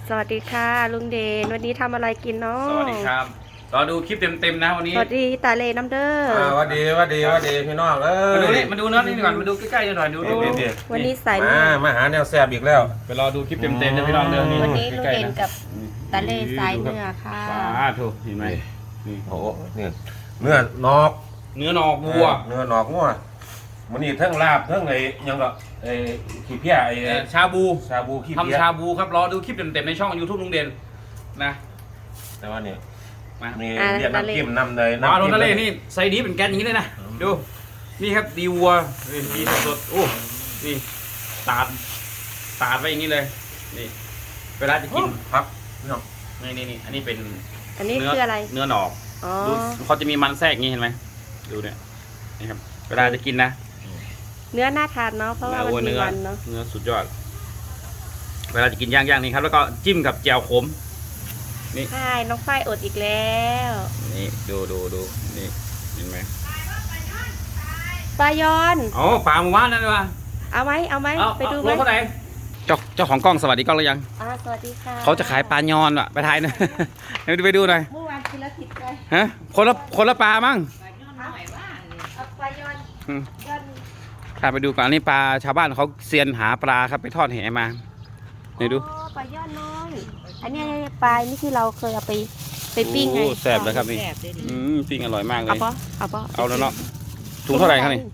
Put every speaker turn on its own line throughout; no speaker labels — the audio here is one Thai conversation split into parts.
สวัสดีค่ะลุงเดนวันนี้ทำอะไรกินเนาะ
สวัสดีครับรอดูคลิปเต็มๆนะวันนี้
สวัสดีตาเลน้ำเด้อ
วัสดีพี่น้อง
มาดูเนื้อนี่ก่อนมาดูใกล้ๆหน่อยดู
วันนี้ใส่
มาหาแนวแซ่บอีกแล้ว
ไปรอดูคลิปเต็มๆนะพี่น้องเนื้อนี่
วันนี้ลุงเดนกับตาเลใส่เนื้อค่ะ
ถูกเห็นไหม
นี่โอ้เนี่ยเนื้อนอก
วัว
เนื้อนอกงัวมันนี่ทั้งลาบทั้งไอ้ยังก็ไอ้ขี้เพี้ยไอ้
ชาบู
ขี้เพี้ย
ทำชาบูครับรอดูคลิปเต็มๆในช่อง YouTube ลุงเด่นนะ
แต่ว่านี่มีเรียกน้ำจิ้มน้ำเลย
น้ำจิ้มทะเลนี่ใส่ดีเป็นแกนอย่างนี้เลยนะดูนี่ครับดีวัวดีสดๆโอ้นี่ตาดไว้อย่างนี้เลยนี่เวลาจะกิน
ครับ
นี่อันนี้เป็น
อันนี้คืออะไร
เนื้อหนอกดูเขาจะมีมันแทรกอย่างนี้เห็นไหมดูเนี่ยนี่ครับเวลาจะกินนะ
เนื้อน่าทานเนาะเพราะว่ามันมีมันเนาะ
เนื้อสุดยอดเวลาจะกินย่างนี่ครับแล้วก็จิ้มกับแจ่วขมนี่
ใช่น้องฝ้ายอดอีกแล้ว
นี่ดูนี่เห็นไหม
ปลายอน
ปลาหมู่บ้านนั่นวะ
เอาไหมไปดูไหม
เจ้าของกล้องสวัสดีกล้องหรือยัง
สวัสดีค่ะ
เขาจะขายปลายอนอ่ะไปถ่ายนะไปดูหน่อย
เมื่อวานกินแล้วติดใจ
ฮะคนละปลามั้ง
ปลายอน
ถ้าไปดูก่อนนี่ปลาชาวบ้านเขาเซียนหาปลาครับไปทอดแหมานี่ดู
ปลายอนน้อยอันนี้ปลานี่ที่เราเคยเอาไปปิ้งไง
แซ่บเลยครับนี่ปิ้งอร่อยมากเลยเอาแล้วเนาะถุงเท่าไหร่ครับนี่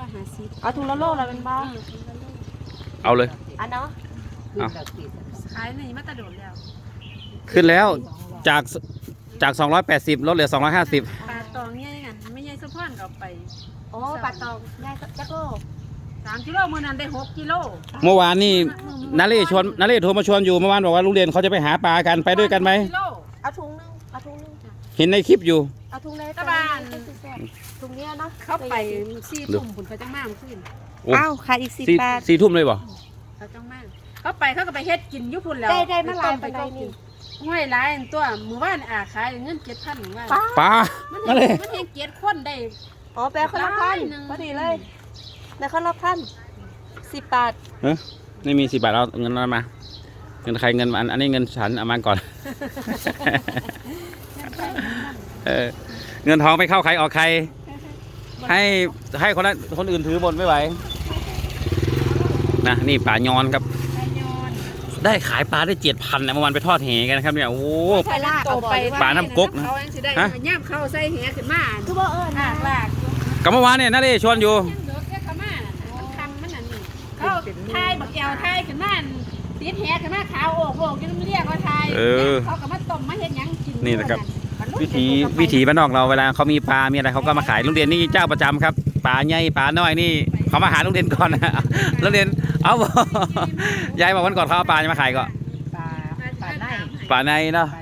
250เอาถุงละโลละเป็นบ้า
เอาเลย
เนาะ
ขายนี่มาตะโดดแล้ว
ขึ้นแล้วจาก280ลดเหลือ250
ปลาตองเนี่ยไงไม่ใช่สะพานเอาไป
ปลาตองได้จักโล
3 กิโลมื้อนั้นได้6 กิโล
เมื่อวานนี่นาเล่โทรมาชวนอยู่เมื่อวานบอกว่าลุงเด่นเขาจะไปหาปลากันไปด้วยกันไหม
เอาถุงนึง
เห็นในคลิปอยู่
เอาถุงเลยตะบ้านถุงเนี้ยเนาะ
เขาไป4 ทุ่มผุนเขาจังมากขึ้น
ขายอีก10 บาท
4 ทุ่มเลยบ่
เขาจังมากเขาก็ไปเฮ็ดกินอยู่พุ่นแล้ว
ได้มาลายไปได้นี่
ห้วยหลายตัวมื้อวานขายเงิน 7,000 ว่า
ปลา
มันเลยมันเฮ็ด7 คนได้
แปลคนละพันพอดีเลยแต่คนละพัน10 บาท
ไม่มี10 บาทเอาเงินมาเงินใครเงินอันนี้เงินฉันเอามาก่อนเงินทองไปเข้าใครออกใครให้คนอื่นถือบนไม่ไหวนะนี่ปลายอนครับได้ขายปลาได้7,000นะเมื่อวานไปทอดแหกันครับเนี่ยโอ้ปลาน้ำก๊กนะ
ฮะย่ำเข้าใส่แหขึ้นมา
คือบ่ลาก
กับเมื่อวานเนี่ยนั่นเลยชวนอยู่
เขาทายบักแก้วทายขึ้นมาติดแหขึ้นมาขาวโอกยังเรียกว่าทายเขาก็มาต้มมาเห็นยังกิน
นี่นะครับวิถีบ้านนอกเราเวลาเขามีปลามีอะไรเขาก็มาขายลุงเด่นนี่เจ้าประจำครับปลาใหญ่ปลาน้อยนี่เขามาหาลุงเด่นก่อนนะลุงเด่นเอายายบอกวันก่อนเขาเอาปลาจะมาขายก็ปลาในเนาะ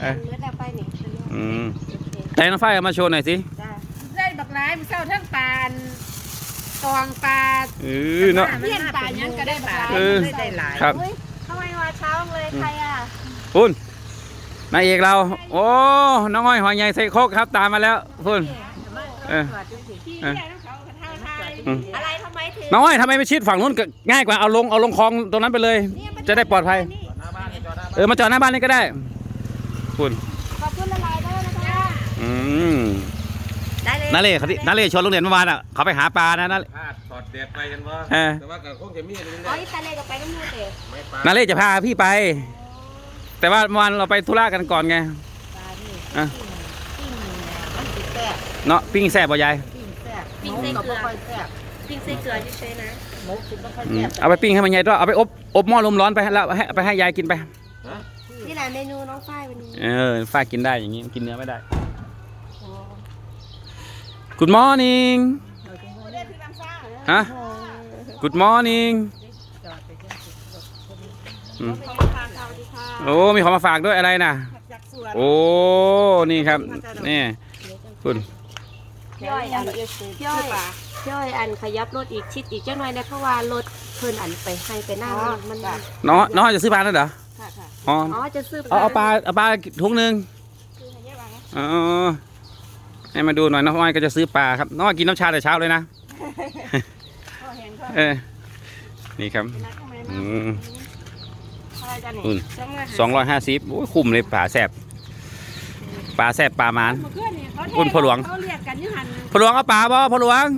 แต่น้องฝ้ายมาโชว์หน่อยสิ
ได้บักหลายมันเศร้าทั้งปลาตองปลา
เนาะ
เลี้ยงปลายังก็ได้ปลาได้หลาย
ครับ
ทำไมมาเช้าเลยใคร
คุณนายเอกเราโอ้น้องอ้อยหอยใหญ่ใส่โคกครับตามมาแล้วคุณ
อะไรทำไมถึง
น้องอ้อยทำไมไม่ชิดฝั่งนู้นง่ายกว่าเอาลงคลองตรงนั้นไปเลยจะได้ปลอดภัยมาจอดหน้าบ้านนี่ก็ได้คุณ
ขอบคุณละลายด้วย
นะคะนาเล่ชวนลุงเด่นเมื่อวานอ่ะเขาไปหาปลานะนาเล่
สอดเด็ดไปกันว่าแต่ว่าคงจะมี
ตาเล่ก็ไปน้ำมูเด็
ดนาเล่จะพาพี่ไปแต่ว่าเมื่อวานเราไปธุระกันก่อนไงเนาะปิ้งแซ่บบ่ยาย
ปิ้งใส่เกลือเฉยๆนะ
เอาไปปิ้งให้มันใหญ่ด้วยเอาไปอบหม้อลมร้อนไปแล้วไปให้ยายกินไป
นี่แหละเมนูน้องฝ้ายวันนี้
ฝ้ายกินได้อย่างนี้กินเนื้อไม่ได้ Good morning ฮะ Good morning โอ้มีของมาฝากด้วยอะไรนะโอ้นี่ครับนี่คุณ
ย่อยอันขยับรถอีกชิดอีกเจ้าหน่อยนะเพราะว่ารถเพิ่นอันไปให้ไปหน้ามัน
น้องจะซื้อปลาแล้วเหรอ
อ๋อจะซื้อ
เอาปลาถุงนึงให้มาดูหน่อยน้องอ้อยก็จะซื้อปลาครับน้องอ้อยกินน้ำชาแต่เช้าเลยนะนี่ครับ
จ้ะนี่
อุ่น 250โอ้ยคุ้มเลยปลาแซ่บปลาหมาน
เพื่อนนี่เขา
อุ่นพ่อหลวง
เขาเรียกกันอยู่หัน
พ่อหลวงเอาปลาบ่พ่อหลวง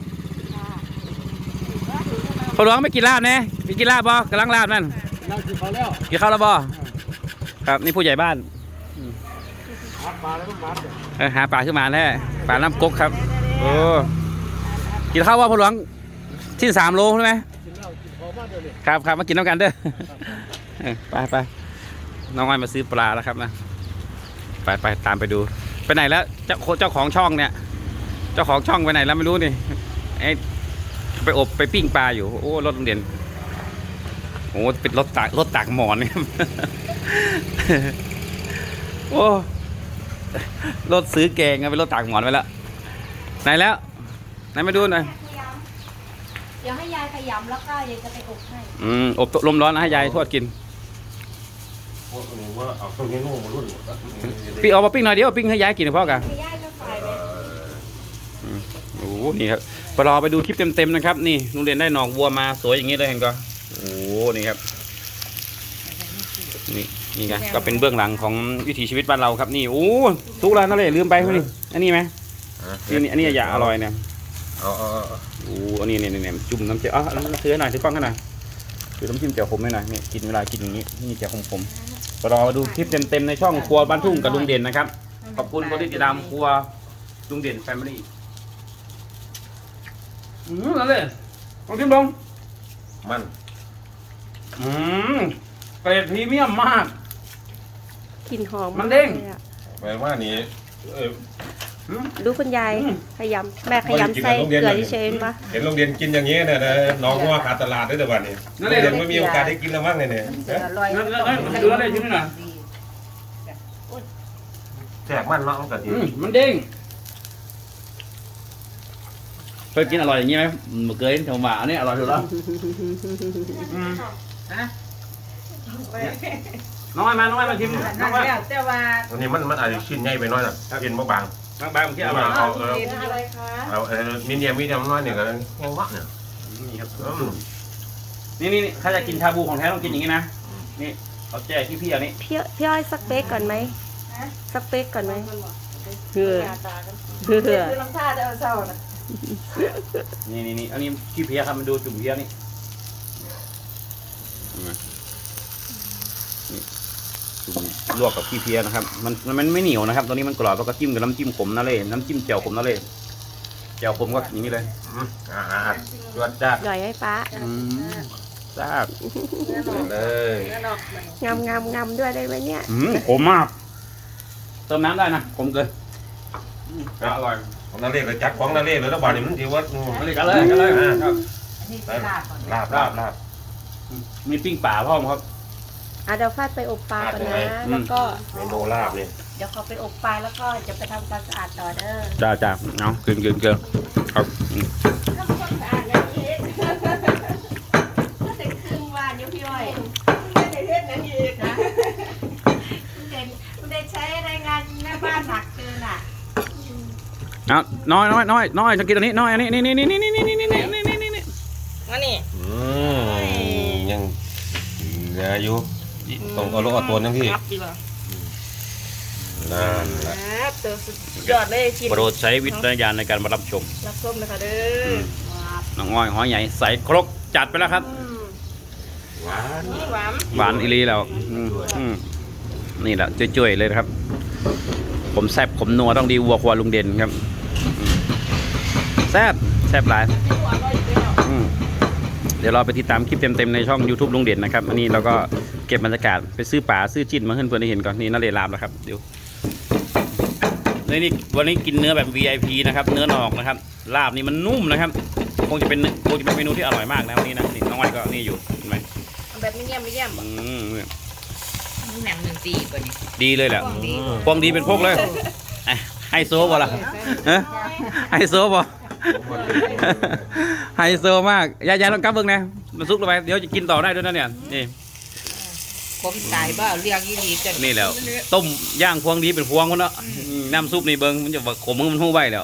พ่อหลวงไม่กินลาบแน่มีกินลาบบ่กำลังลาบนั่น
เรากินเขาแล้ว
กินข้าวแล้วบ่ครับนี่ผู้ใหญ่บ้าน
หาปลาแล้วต้องมัด
หาปลาขึ้นมาแน่ปลาน้ำกกครับโอ้กินข้าวว่าพ่อหลวงที่3 โลใช่ไหม
กินเหล้ากินของมากเดี๋ยวนี้
ครับมากินน้ำกันเด้อไปน้องอ้อยมาซื้อปลาแล้วครับนะไปตามไปดูไปไหนแล้วเจ้าของช่องเนี่ยเจ้าของช่องไปไหนแล้วไม่รู้นี่ไอ้ไปอบไปปิ้งปลาอยู่โอ้รถโรงเรียนโอ้เป็นรถตากหมอนเนี่ย โอ้รถซื้อแกงเป็นรถตากหมอนไปแล้วไหนแล้วไหนมาดูหน่อย
เดี๋ยวให้ยายขยำแล้วก็ยายจะไปอบให้
อบลมร้อนนะให้ยายทอดกิน
พวกนี้ว่าเอาตัวนี้นู่นมารุ่น
ปิ้งเอามาปิ้งหน่อยเดียวปิ้งให้ยายกินนะพ่อกัน
ให้ยายก็ฝ่ายไป
โอ้โหนี่ครับรอไปดูคลิปเต็มๆนะครับนี่โรงเรียนได้หนองวัวมาสวยอย่างนี้เลยเห็นก็โอ้โหนี่ครับนี่ไงก็เป็นเบื้องหลังของวิถีชีวิตบ้านเราครับนี่โอ้ทุกร้านนั่นเลยลืมไปนี่อันนี้ไหมอันนี้อย่าอร่อยเนี่ย
เอา
โอ้อันนี้เนี่ยจุ่มน้ำเจียวซื้อหน่อยซื้อกล้องให้หน่อยซื้อน้ำจิ้มเจียวขมให้หน่อยเนี่ยกินเวลากินอย่างนี้นี่เจียวขมๆรอดูคลิปเต็มๆในช่องครัวบ้านทุ่งกับลุงเด่นนะครับขอบคุณคนที่ติดตามครัวลุงเด่นแฟมิลี่นั่นเลยลองชิมลง
มัน
เกรดพรีเมียมมาก
กลิ่นหอม
มันเด้ง
ลยอะ
แปลว่านี่
ดูคุณยายขยำแม่ขยำใส่เกลือเฉยๆปะ
เห็นโรงเรียนกินอย่างนี้เนี่ยนะน้องว่าขาดตลาดได้แต่วันนี้โรงเรียนไม่มีโอกาสได้กินแล้วมั้งเนี่ย
ดูแล้วได้ชิ้นหน่อย
แจกมันเนาะมันก็ดี
มันเด้งเคยกินอร่อยอย่างนี้ไหมเมื่อกี้แถวหมาเนี่ยอร่อยสุดแล้วน้องไอ้มาชิมน้องไอ้
แต่ว่า
อันนี้มันอาจจะชิ้นใหญ่ไปหน้อยนะกินบาง
บางเมื่อกี้อร่อย
อะไรคะ
เอามีเดียมน้อยเนี่ยก็ยังวะเนี่ย
นี่ครับนี่ถ้าจะกินชาบูของแท้ต้องกินอย่างนี้นะนี่เอาแจกพี่อันนี้
พี่อ้อยสักเป๊กก่อนไหมสักเป๊กก่อนไหมเหือ
คือน้ำชาจะเอาเศร้านะ
นี่อันนี้ขี้เพี้ยครับมันดูจุ่มเพี้ยนี่จุ่มลวกกับขี้เพี้ยนะครับมันไม่เหนียวนะครับตัวนี้มันกรอบแล้วก็จิ้มกับน้ำจิ้มขมนั่นเลยน้ำจิ้มแจ่วขมนั่นเลยแจ่วขมก็อย่างนี้เลย
จวดจ้า
หย่อยให้ป้า
ทราบ
เลย
งำด้วยได้ไหมเนี่ย
ขมมากเติมน้ำได้นะขมเกินอร่อย
ของนาเล่ไปจักของนาเล่เลยแล้วบ่านี่มันถือว่า
กันเลย
ลาบ
มีปิ้งป่าพ่อมครับ
เดี๋ยวฟาดไปอบปลาก่อนนะแล้วก็
เมนูลาบเนี่ย
เดี๋ยวเขาไปอบปลาแล้วก็จะไปทำความสะอาดต่อเด้อ
จ้าเอาเกินครับ
ทำความสะอาดอย่างนี้ก็ถึงครึ่งวันอยู่พี่อ้อยไม่ได้เทศนั่นอีกนะคุณเด่นใช้แรงงานแม่บ้านหนักเกินอ่ะ
เอาน้อยจะกินตัวนี้น้อยอันนี้นี่
มานี่
ยังเหลืออยู่ต้องเอาลูกเอาตัวนึงพี่นั่นแหละ
ตัวสุดยอดเลยกิน
โปรดใช้วิจารณญาณในการรับชม
รับส้มเลยค่ะเด้อ
น้องอ้อยหอยใหญ่ใส่ครกจัดไปแล้วครับ
หวาน
หวานอีลีแล้วนี่แหละจ่วยๆเลยนะครับผมแซ่บผมนัวต้องดีวัวควายลุงเด่นครับแซ่บหลายเดี๋ยวเราไปติดตามคลิปเต็มๆในช่อง YouTube ลุงเด่นนะครับอันนี้เราก็เก็บบรรยากาศไปซื้อป่าซื้อจิ้นมาให้เพื่อนได้เห็นก่อนนี่น่าเลยลามแล้วครับเดี๋ยวนี่วันนี้กินเนื้อแบบ VIP นะครับเนื้อหนอกนะครับลาบนี่มันนุ่มนะครับคงจะเป็นเมนูที่อร่อยมากนะวันนี้นะนี่น้องอ้อยก็นี่อยู่เห็นไหม
แบบไม่เยี่ยมแหนม1 4กว่านี้
ดีเลยแหละพวงดีเป็นพวกเลยไฮโซบ่ล่ะไฮโซบ่ไฮโซมากยายต้องกลับเบิ่งนะมันซุกลงไปเดี๋ยวจะกินต่อได้ด้วยนะเนี่ยนี่
ผมตายบ้าเรียกยี่ดีจัง
นี่แล้วต้มย่างพวงดีเป็นพวงมันเนาะน้ำซุปนี่เบิ่งมันจะขมมันหู้ใบแล้ว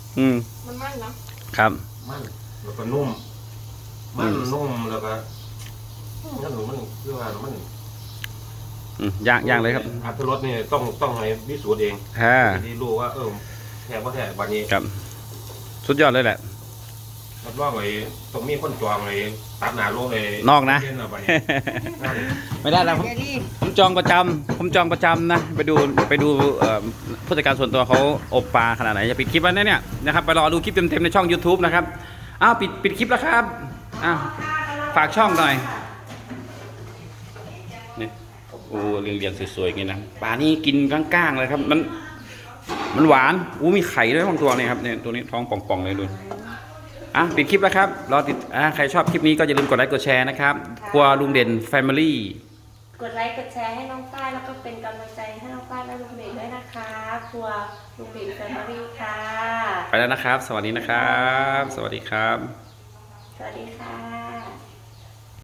มันมั่นเนาะ
ครับ
มันแล้วก็นุ่มมันนุ่มแล้วก็นั่นมันคือว่ามัน
ย่างเลยครับ
อัตรสนี่ต้องให้พิสูจน์เอง
ฮ่า
ที่รู้ว่าแท้บ่แท้บัดนี้
ครับสุดยอดเลยแหละ
รับรองไอ้ต้องมีคนจองไอ้ตัดหน้าลงไอ้
นอกนะ
เย็บัดนี้นั่น
ไม่ได้แล้วผมจองประจำนะไปดูผู้จัดการส่วนตัวเขาอบปลาขนาดไหนจะปิดคลิปวันนี้เนี่ยนะครับไปรอดูคลิปเต็มๆในช่อง YouTube นะครับอ้าวปิดคลิปแล้วครับอ้าวฝากช่องหน่อยนี่โอ้เรียงๆสวยๆอย่างนี้นะปลานี่กินก้างๆเลยครับมันหวานมีไข่ด้วยบางตัวเนี่ยครับเนี่ยตัวนี้ท้องป่องๆเลยดูปิดคลิปแล้วครับรอติดใครชอบคลิปนี้ก็อย่าลืมกดไลค์กดแชร์นะครับครัวลุงเด่น Family
กดไลค์กดแชร์ให้น้องป้ายแล้วก็เป็นกำลังใจให้น้องป้ายและลุงเด่นด้วยนะคะครัวลุงเด่นแฟมิลี่ค่ะ
ไปแล้วนะครับ สวัสดีนะครับ สวัสดีครับ
สวัสดีค่ะ